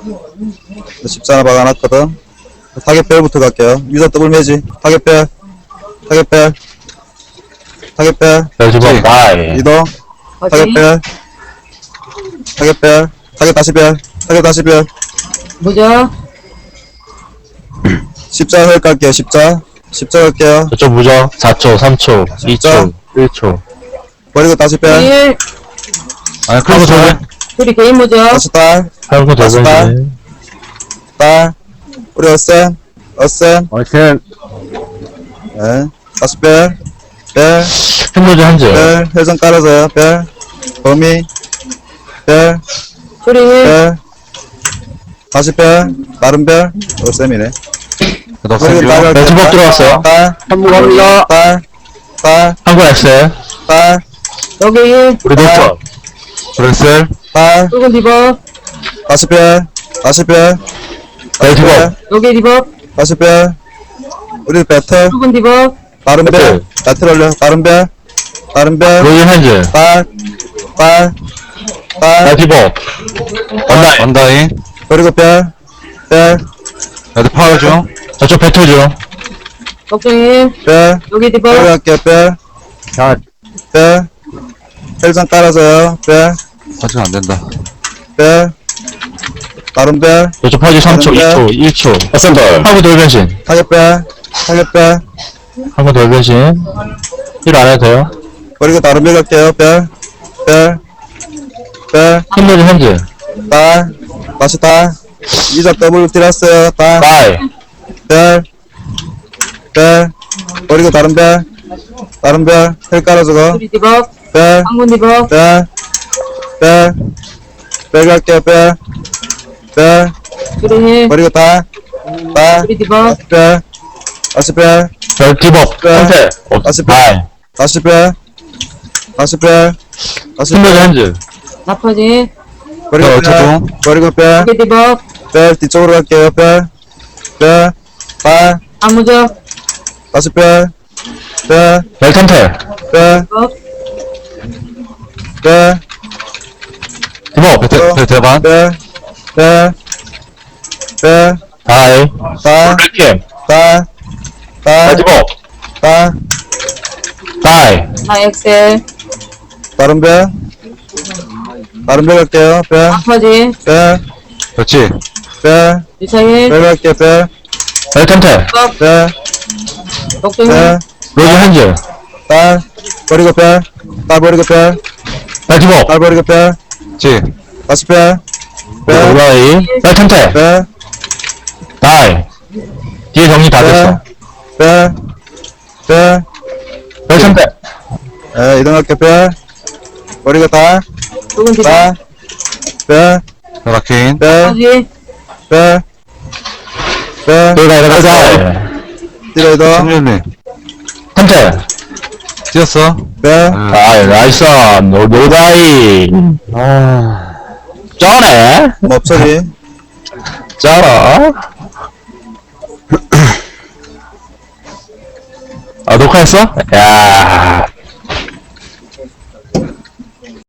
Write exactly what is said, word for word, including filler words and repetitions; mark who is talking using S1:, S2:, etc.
S1: 십자 하나 박아놨거든. 타겟별부터 갈게요. 유저 더블 매지. 타겟별. 타겟별. 타겟별.
S2: 별지범 바이.
S1: 이동. 타겟별. 타겟별. 타겟 다시 별. 타겟 다시 별.
S3: 무적.
S1: 십자 헐 갈게요. 십자. 십자 갈게요.
S2: 저쪽 무적 사 초, 삼 초, 이 초, 일 초.
S1: 버리고 다시 별.
S3: 일.
S2: 아니, 크로스 돌.
S3: 둘이 개인 무적.
S1: 다시 딸.
S2: 할거
S1: 다시 딸.
S2: 돌변신.
S1: 딸. 우리 어센. 어센.
S2: 어센.
S1: 네. 다시 별. 별.
S2: 흰무지 한 줄.
S1: 별. 회전 깔아줘요. 별. 범위. 별.
S3: 둘이 일.
S1: 별. 다시 별. 다른 별. 어셈이네.
S2: 넉센 별. 별지범 들어왔어요.
S1: 딸.
S2: 한무 갑니다.
S1: 딸. 딸.
S2: 한국 엑셀.
S1: 딸.
S3: 여기 일.
S2: 우리 녹턴. 브렉셀.
S1: 딸.
S3: 붉은 디버.
S1: 다시 별. 다시 별.
S2: 별지범.
S3: 여기 디버.
S1: 다시 별. 우리 배틀.
S3: 붉은 디버.
S1: 다른 별.
S2: 배틀.
S1: 배틀 올려. 다른 별. 다른 별.
S2: 로이 한 줄.
S1: 딸. 딸. 딸.
S2: 별지범. 원다이. 원다이.
S1: 그리고 별. 별.
S2: 레드 파워 중. 저쪽 배틀 중.
S3: 걱정일.
S1: 별.
S3: 여기 디버.
S1: 별 갈게요. 별.
S2: 자,
S1: 별. 혈장 깔아줘요. 별.
S2: 아직 안 된다.
S1: 별. 다른 별.
S2: 저쪽 퍼지 삼 초, 이 초, 일 초. 어센벌. 한국 돌변신.
S1: 타겟별. 타겟별.
S2: 한국 돌변신. 일 안 해도 돼요.
S1: 그리고 다른 별 갈게요. 별. 별. 별.
S2: 흰무지 한 줄.
S1: 딸. 다시 딸. 이적 더블 들었어요. 딸.
S2: 바이.
S1: 별. 별. 그리고 다른 별. 다른 별. 혈 깔아주고.
S3: 둘이 디버.
S1: 별.
S3: 항문 디버.
S1: 별. 별. 별 갈게요. 별. 별.
S3: 둘이 일.
S1: 그리고 딸. 딸.
S3: 둘이 디버.
S1: 다시 별. 다시 별.
S2: 별지범.
S1: 별.
S2: 선택.
S1: 다시
S2: 바이.
S1: 다시 별. 다시 별. 다시
S2: 흰무지
S1: 별.
S2: 한 줄.
S3: 나퍼지.
S1: 그리고
S2: 어,
S1: 별.
S2: 저쪽.
S1: 그리고 별.
S3: 여기 디버.
S1: 별. 뒤쪽으로 갈게요. 별. 별. 딸.
S3: 암무적.
S1: 다시 별. 별.
S2: 별탄텔.
S1: 별.
S3: 디버.
S1: 별.
S2: 디버.
S1: 별.
S2: 별 대반.
S1: 별. 별. 별.
S2: 바이.
S1: 딸.
S2: 블랙캠.
S1: 딸. 딸.
S2: 별지범.
S1: 딸.
S2: 바이.
S3: 나 엑셀.
S1: 다른 별. 다른 별 갈게요. 별.
S3: 나퍼지.
S1: 별.
S2: 그렇지.
S1: 별.
S3: 유차일.
S1: 별 갈게요. 별.
S2: 별탄텔.
S1: 별.
S3: 걱정일.
S1: 별.
S2: 로즈 한 줄.
S1: 딸. 버리고 별. 딸 버리고 별.
S2: 별지범.
S1: 딸 버리고 별.
S2: 지.
S1: 다시 별. 별.
S2: 오라이. 별탄텔.
S1: 별.
S2: 바이. 뒤에 정리 다 됐어.
S1: 별. 별.
S2: 별탄텔.
S1: 에, 이동할게요. 별. 버리고 딸.
S3: 붉은 디버.
S1: 딸. 별.
S2: 라킨.
S1: 별.
S3: 나퍼지.
S1: 별. 별.
S2: 내가 이거 가자.
S1: 뒤로 이동.
S2: 성현님. 탄텔. 뛰었어.
S1: 별.
S2: 아이, 나이스. 노, 노다이. 아. 쩌네?
S1: 뭐 없어지.
S2: 쩔어? 아, 녹화했어? 야